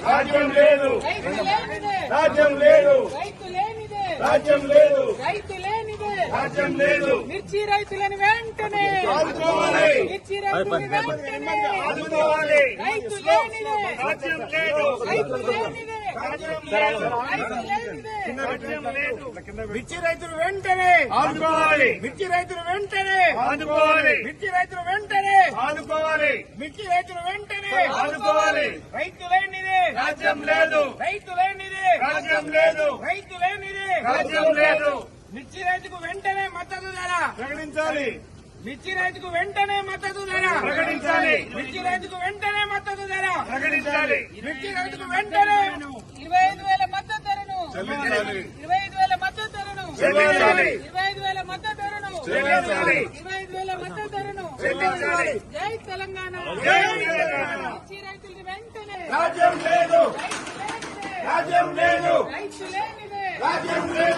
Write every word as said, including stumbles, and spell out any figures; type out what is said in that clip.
రాజ్యం లేదు, రైతు లేనిదే, రాజ్యం లేదు, రైతు లేనిదే, రాజ్యం లేదు, రైతు లేనిదే, రాజ్యం లేదు. మిర్చి రైతులను వెంటనే ఆదుకోవాలి, మిర్చి రైతులను వెంటనే ఆదుకోవాలి. రైతు లేనిదే, రాజ్యం లేదు, రైతు లేనిదే, రాజ్యం లేదు, రైతు లేనిదే, రాజ్యం లేదు. మిర్చి రైతులు వెంటనే ఆదుకోవాలి, మిర్చి రైతులు వెంటనే ఆదుకోవాలి, మిర్చి రైతులు వెంటనే ఆదుకోవాలి, మిర్చి రైతులు వెంటనే ఆదుకోవాలి. రైతు లేనిదే, రాజ్యం లేదు, రైతు లేనిదే, రాజ్యం లేదు, రైతు లేనిదే, రాజ్యం లేదు. మిర్చి రైతుకు వెంటనే మద్దతు ధర, ప్రకటించాలి, మిర్చి రైతుకు వెంటనే మద్దతు ధర, ప్రకటించాలి, మిర్చి రైతుకు వెంటనే మద్దతు ధర, ప్రకటించాలి, మిర్చి రైతుకు వెంటనే ఇరవై ఐదు వేల మద్దతు ధరను చెల్లించాలి, ఇరవై ఐదు వేల మద్దతు ధరను చెల్లించాలి, ఇరవై ఐదు వేల మద్దతు ధరను చెల్లించాలి, ఇరవై ఐదు వేల మద్దతు ధరను చెల్లించాలి. జై తెలంగాణ, జై తెలంగాణ. మిర్చి రైతులు వెంటనే రాజ్యం లేదు, రైతు లేనిదే, రాజ్యం లేదు, రైతు లేనిదే, రాజ్యం లేదు.